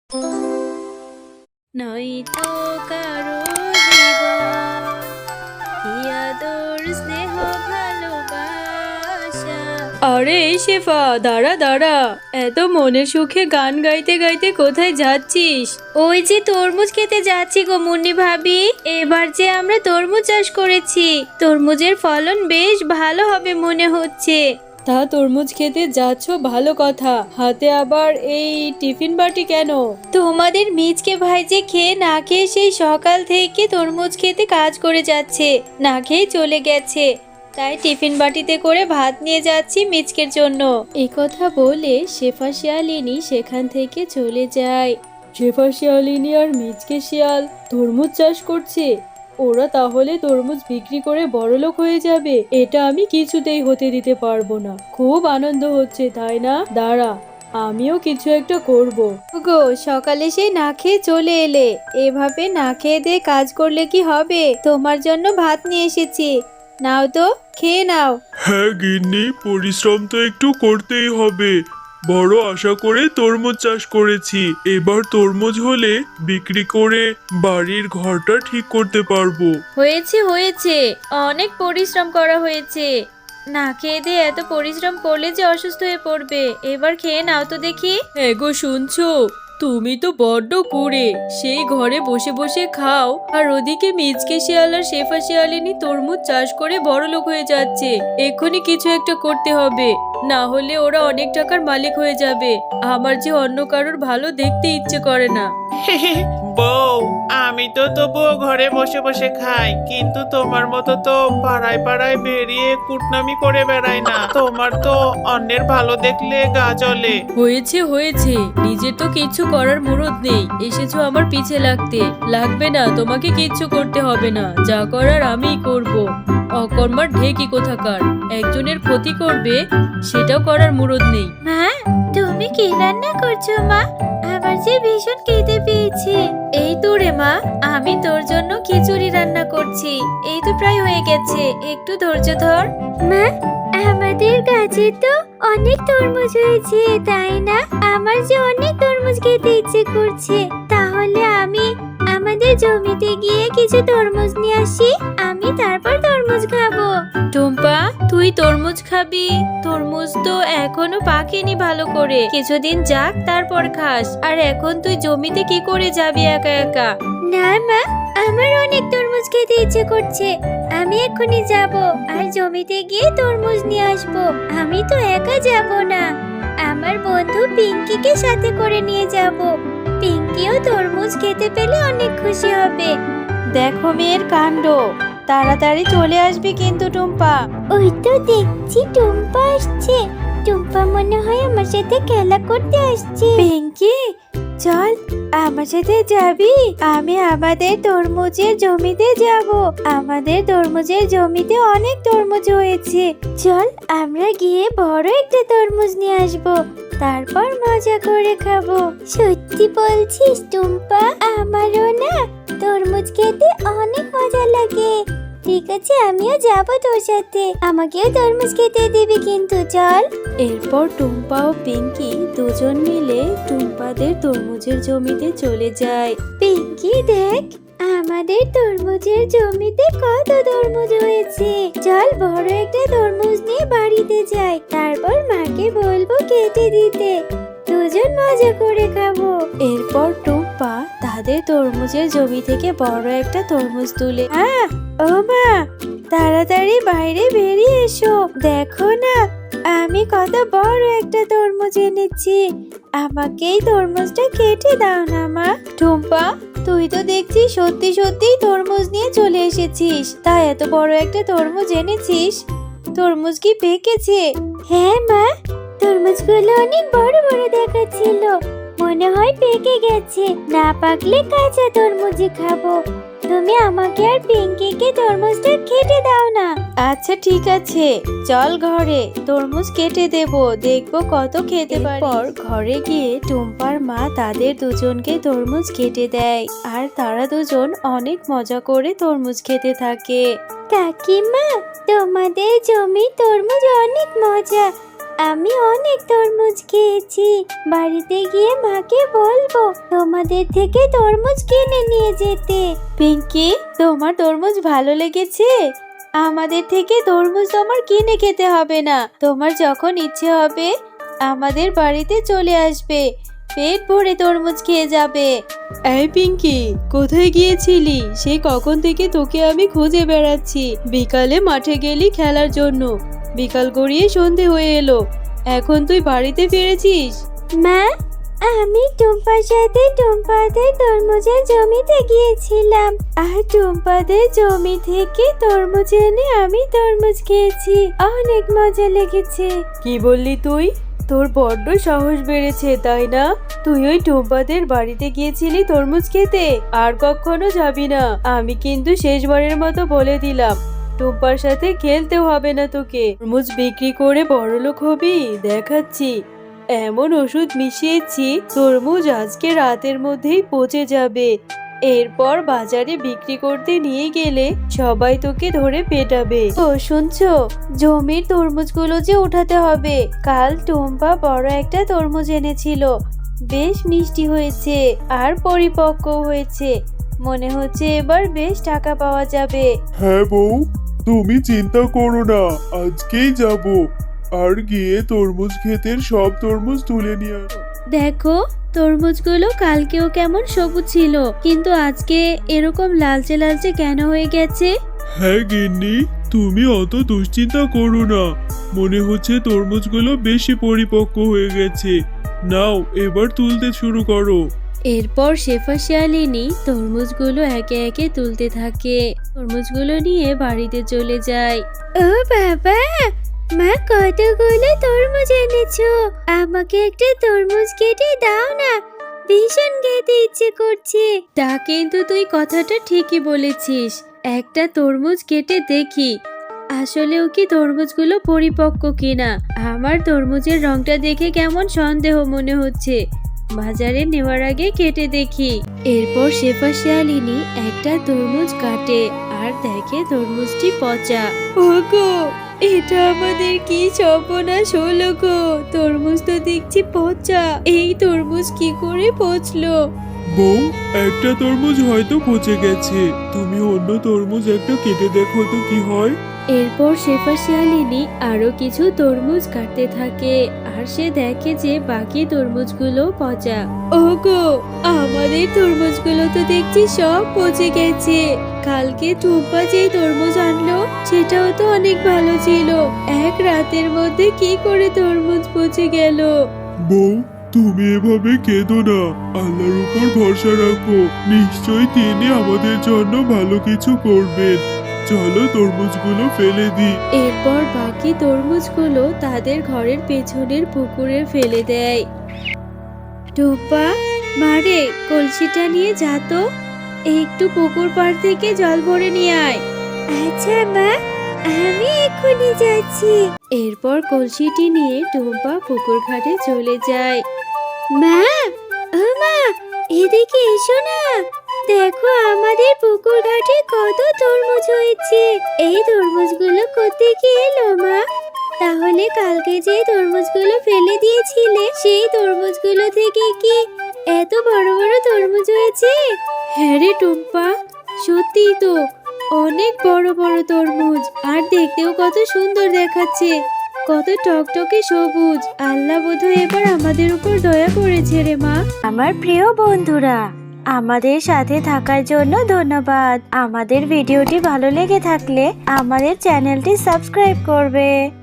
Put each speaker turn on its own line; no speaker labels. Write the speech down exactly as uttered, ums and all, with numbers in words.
নয়তো কারো জীবন কি আদর স্নেহ ভালোবাসা। আরে এই শেফা, দাঁড়া দাঁড়া, এত মনের সুখে গান গাইতে গাইতে কোথায় যাচ্ছিস? ওই যে তরমুজ খেতে যাচ্ছি গো মুন্নি ভাবি। এবার যে আমরা তরমুজ চাষ করেছি, তরমুজের ফলন বেশ ভালো হবে মনে হচ্ছে। তা তরমুজ খেতে যাচ্ছ ভালো কথা, হাতে আবার এই টিফিন বাটি কেন? তোমাদের মিজকে ভাই যে খেয়ে না খেয়ে সেই সকাল থেকে তরমুজ খেতে কাজ করে যাচ্ছে, না খেয়ে চলে গেছে, তাই টিফিন বাটিতে করে ভাত নিয়ে যাচ্ছি মিচকের জন্য। এই কথা বলে শেফা শিয়ালিনী সেখান থেকে চলে যায়। শেফা শিয়ালিনী আর মিচকে শিয়াল তরমুজ চাষ করছে, ওরা তাহলে তরমুজ বিক্রি করে বড়লোক হয়ে যাবে, এটা আমি কিছুতেই হতে দিতে পারবো না। খুব আনন্দ হচ্ছে তাই না? দাঁড়া, আমিও কিছু একটা করব। গো সকালে সেই না খেয়ে চলে এলে, এভাবে না খেয়ে দিয়ে কাজ করলে কি হবে? তোমার জন্য ভাত নিয়ে এসেছি, নাও তো, খেয়ে নাও।
হ্যাঁ গিন্নি, পরিশ্রম তো একটু করতেই হবে। বড় আশা করে তরমুজ চাষ করেছি, এবার তরমুজ হলে বিক্রি করে বাড়ির ঘরটা ঠিক করতে পারবো।
হয়েছে হয়েছে, অনেক পরিশ্রম করা হয়েছে, না খেয়ে দিয়ে এত পরিশ্রম করলে যে অসুস্থ হয়ে পড়বে। এবার খেয়ে নাও তো দেখি। হ্যাঁ গো, শুনছো? তুমি তো বড্ড কুড়ে, সেই ঘরে বসে বসে খাও, আর ওদিকে মিচকে শিয়াল আর শেফা শিয়ালিনী তরমুজ চাষ করে বড়লোক হয়ে যাচ্ছে। এক্ষুনি কিছু একটা করতে হবে, না হলে ওরা অনেক টাকার মালিক হয়ে যাবে। আমার যে অন্য কারোর ভালো দেখতে ইচ্ছে করে না।
বউ, আমি তো তবুও ঘরে বসে বসে খাই, কিন্তু তোমার মতো তো পাড়ায় পাড়ায় বেরিয়ে কুটনামি করে বেড়াই না। তোমার তো অন্যের ভালো দেখলে গা জ্বলে।
হয়েছে হয়েছে, নিজের তো কিচ্ছু করার মুরদ নেই, এসেছো আমার পিছে লাগতে। লাগবে না, তোমাকে কিচ্ছু করতে হবে না, যা করার আমিই করব। অকর্মার ঢেকি কোথাকার, একজনের ক্ষতি করবে সেটাও করার মুরদ নেই। মা, তুমি কি রান্না করছো মা? আমার যে ভীষণ খিদে পেয়েছে। এই তো রে মা, আমি তোর জন্য খিচুড়ি রান্না করছি, এই তো প্রায় হয়ে গেছে, একটু ধৈর্য ধর। মা, আমাদের গাছে তো অনেক তরমুজ হয়েছে তাই না? আমার যে অনেক তরমুজ খেতে ইচ্ছে করছে, তাহলে আমি আমাদের জমিতে গিয়ে কিছু তরমুজ নিয়ে আসি, আমি তারপর তরমুজ খাবো। টুম্পা, তুই তরমুজ খাবি? তরমুজ তো এখনো পাকেনি ভালো করে, কিছুদিন যাক তারপর খাস। আর এখন তুই জমিতে কি করে যাবি একা একা? না মা, আমার অনেক তরমুজ খেতে ইচ্ছে করছে, আমি এক্ষুনি যাব আর জমিতে গিয়ে তরমুজ নিয়ে আসবো। আমি তো একা যাব না, আমার বন্ধু পিঙ্কিকে সাথে করে নিয়ে যাব, পিঙ্কিও তরমুজ খেতে পেলে অনেক খুশি হবে। দেখো মেয়ের কাণ্ড, তাড়াতাড়ি চলে আসবি কিন্তু টুম্পা। ওই তো দেখছি টুম্পা আসছে, টুম্পা মনে হয় আমার সাথে খেলা করতে আসছে। পিঙ্কি, চল আমার সাথে যাবি? আমি আমাদের তরমুজের জমিতে যাব, আমাদের তরমুজের জমিতে অনেক তরমুজ হয়েছে, চল আমরা গিয়ে বড় একটা তরমুজ নিয়ে আসবো, তারপর মজা করে খাবো। সত্যি বলছিস টুম্পা? আমারও না তরমুজ খেতে অনেক মজা লাগে। ঠিক আছে, আমিও যাব তোর সাথে, আমাকেও তরমুজ খেতে দিবি কিন্তু, চল। এরপর টুম্পা ও পিঙ্কি দুজন মিলে টুম্পাদের তরমুজের জমিতে চলে যায়। পিঙ্কি দেখ, আমাদের তরমুজের জমিতে কত তরমুজ হয়েছে, চল বড় একটা তরমুজ নিয়ে বাড়িতে যাই, তারপর মাকে বলবো কেটে দিতে, দুজন মজা করে খাবো। এরপর টুম্পা তাদের তরমুজের জমি থেকে বড় একটা তরমুজ তুলে, হ্যাঁ ও মা, তাড়াতাড়ি বাইরে বেরিয়ে এসো, দেখো না আমি কত বড় একটা তরমুজ এনেছি, আমাকে এই তরমুজটা কেটে দাও না মা। টুম্পা, তুই তো দেখছি সত্যি সত্যি তরমুজ নিয়ে চলে এসেছিস, তাই এত বড় একটা তরমুজ এনেছিস, তরমুজ কি পেকেছে? হ্যাঁ মা, তরমুজগুলো অনেক বড় বড় দেখাচ্ছিল, মনে হয় পেকে গেছে, না পাকলে কাঁচা তরমুজই খাবো, তুমি আমাকে আর পিঙ্কিকে তরমুজটা কেটে দাও না। আচ্ছা ঠিক আছে, চল ঘরে, তরমুজ কেটে দেব, দেখবো কত খেতে পারি। পর ঘরে গিয়ে টুম্পার মা তাদের দুজনকে তরমুজ কেটে দেয়, আর তারা দুজন অনেক মজা করে তরমুজ খেতে থাকে। কাকিমা, তোমাদের জমি তরমুজ অনেক মজা,
আমি অনেক তরমুজ খেয়েছি। বাড়িতে গিয়ে মাকে বলবো তোমাদের থেকে তরমুজ কিনে নিয়ে যেতে।
পিঙ্কি, তোমার তরমুজ ভালো লেগেছে? আমাদের থেকে তরমুজ তোমার কিনে খেতে হবে না। তোমার যখন ইচ্ছে হবে আমাদের বাড়িতে চলে আসবে, পেট ভরে তরমুজ খেয়ে যাবে। এই পিঙ্কি, কোথায় গিয়েছিলি? সেই কখন থেকে তোকে আমি খুঁজে বেড়াচ্ছি। বিকালে মাঠে গেলি খেলার জন্য, বিকাল গড়িয়ে সন্ধে হয়ে এলো, এখন তুই বাড়িতে ফিরেছিস?
মা, আমি টুম্পার সাথে টুম্পাদের তরমুজের জমিতে গিয়েছিলাম, আর টুম্পাদের জমি থেকে তরমুজ এনে আমি তরমুজ খেয়েছি। অনেক মজা লেগেছে।
কি বললি তুই? তোর বড্ড সাহস বেড়েছে, তাই না? তুই ওই টুম্পাদের বাড়িতে গিয়েছিলি তরমুজ খেতে? আর কখনো যাবি না। আমি কিন্তু শেষবারের মতো বলে দিলাম, টুম্পার সাথে খেলতেও হবে না তোকে। তরমুজ বিক্রি করে বড়লোক হবি দেখাচ্ছি। এমন ওষুধ মিশিয়েছি তরমুজ আজকে রাতের মধ্যেই পচে যাবে। এরপর বাজারে বিক্রি করতে নিয়ে গেলে সবাই তোকে ধরে পেটাবে। ও শুনছো, জমির তরমুজগুলো যে উঠাতে হবে। কাল টুম্পা বড় একটা তরমুজ এনেছিল, বেশ মিষ্টি হয়েছে আর পরিপক্ক হয়েছে। মনে হচ্ছে এবার বেশ টাকা পাওয়া যাবে।
হ্যাঁ বউ, তুমি চিন্তা করো না, আজকেই যাব আর গিয়ে তরমুজ ক্ষেতের সব তরমুজ তুলে নিয়ে আসবো।
দেখো, তরমুজগুলো কালকেও কেমন সবুজ ছিল, কিন্তু আজকে এরকম লালচে লালচে কেন হয়ে গেছে?
হ্যাঁ গিন্নি, তুমি অত দুশ্চিন্তা করো না। মনে হচ্ছে তরমুজগুলো বেশি পরিপক্ক হয়ে গেছে। নাও, এবার তুলতে শুরু করো।
এরপর শেফা শিয়ালিনী তরমুজগুলো একে একে তুলতে থাকে। তরমুজগুলো নিয়ে বাড়িতে চলে যায়।
ও বাবা, মা কতগুলো তরমুজ এনেছো। আমাকে একটা তরমুজ কেটে দাও না, ভীষণ খেতে ইচ্ছে করছে।
তা কিন্তু তুই কথাটা ঠিকই বলেছিস। একটা তরমুজ কেটে দেখি আসলেও কি তরমুজগুলো পরিপক্ক কিনা। আমার তরমুজের রংটা দেখে কেমন সন্দেহ মনে হচ্ছে। বাজারে নেওয়ার আগে কেটে দেখি। এরপর শেফা শিয়ালিনী একটা তরমুজ কাটে আর দেখে তরমুজটি পচা। ওগো, এটা আমাদের কি সর্বনাশ হলো গো! তরমুজ তো দেখছি পচা। এই তরমুজ কি করে পচলো?
বউ, একটা তরমুজ হয়তো পচে গেছে। তুমি অন্য তরমুজ একটা কেটে দেখো তো কি হয়।
এরপর শেফা শিয়ালিনী আরো কিছু তরমুজ কাটতে থাকে আর সে দেখে যে বাকি তরমুজগুলো পচা। ওগো, আমাদের তরমুজগুলো তো দেখছি সব পচে গেছে। কালকে টুম্পা যে তরমুজ আনলো সেটাও তো অনেক ভালো ছিল। এক রাতের মধ্যে কি করে তরমুজ পচে গেল?
বউ, তুমি এভাবে কেঁদো না, আল্লাহর উপর ভরসা রাখো। নিশ্চয়ই তিনি আমাদের জন্য ভালো কিছু করবেন। চলো তরমুজগুলো ফেলে দিই।
এরপর বাকি তরমুজগুলো তাদের ঘরের পেছনের পুকুরে ফেলে দেয়। টুম্পা, মারে কলসিটা নিয়ে যা তো, একটু পুকুর পাড় থেকে জল ভরে নিয়ে আয়।
আচ্ছা মা, আমি এক্ষুনি যাচ্ছি।
এরপর কলসিটি নিয়ে টুম্পা পুকুর ঘাটে চলে যায়।
মা, ও মা, এদিকে এসো না। দেখো আমাদের পুকুর ঘাটে কত তরমুজ হয়েছে। এই তরমুজগুলো কোত্থেকে এলো মা? তাহলে কালকে যে তরমুজগুলো ফেলে দিয়েছিলে সেই তরমুজগুলো থেকে কি এত বড় বড় তরমুজ হয়েছে?
হ্যাঁ রে টুম্পা, সত্যি তো অনেক বড় বড় তরমুজ, আর দেখতেও কত সুন্দর দেখাচ্ছে, কত টকটকে সবুজ। আল্লাহ বোধহয় এবার আমাদের উপর দয়া করেছে রে মা।
আমার প্রিয় বন্ধুরা, আমাদের সাথে থাকার জন্য ধন্যবাদ। আমাদের ভিডিওটি ভালো লেগে থাকলে আমাদের চ্যানেলটি সাবস্ক্রাইব করবে।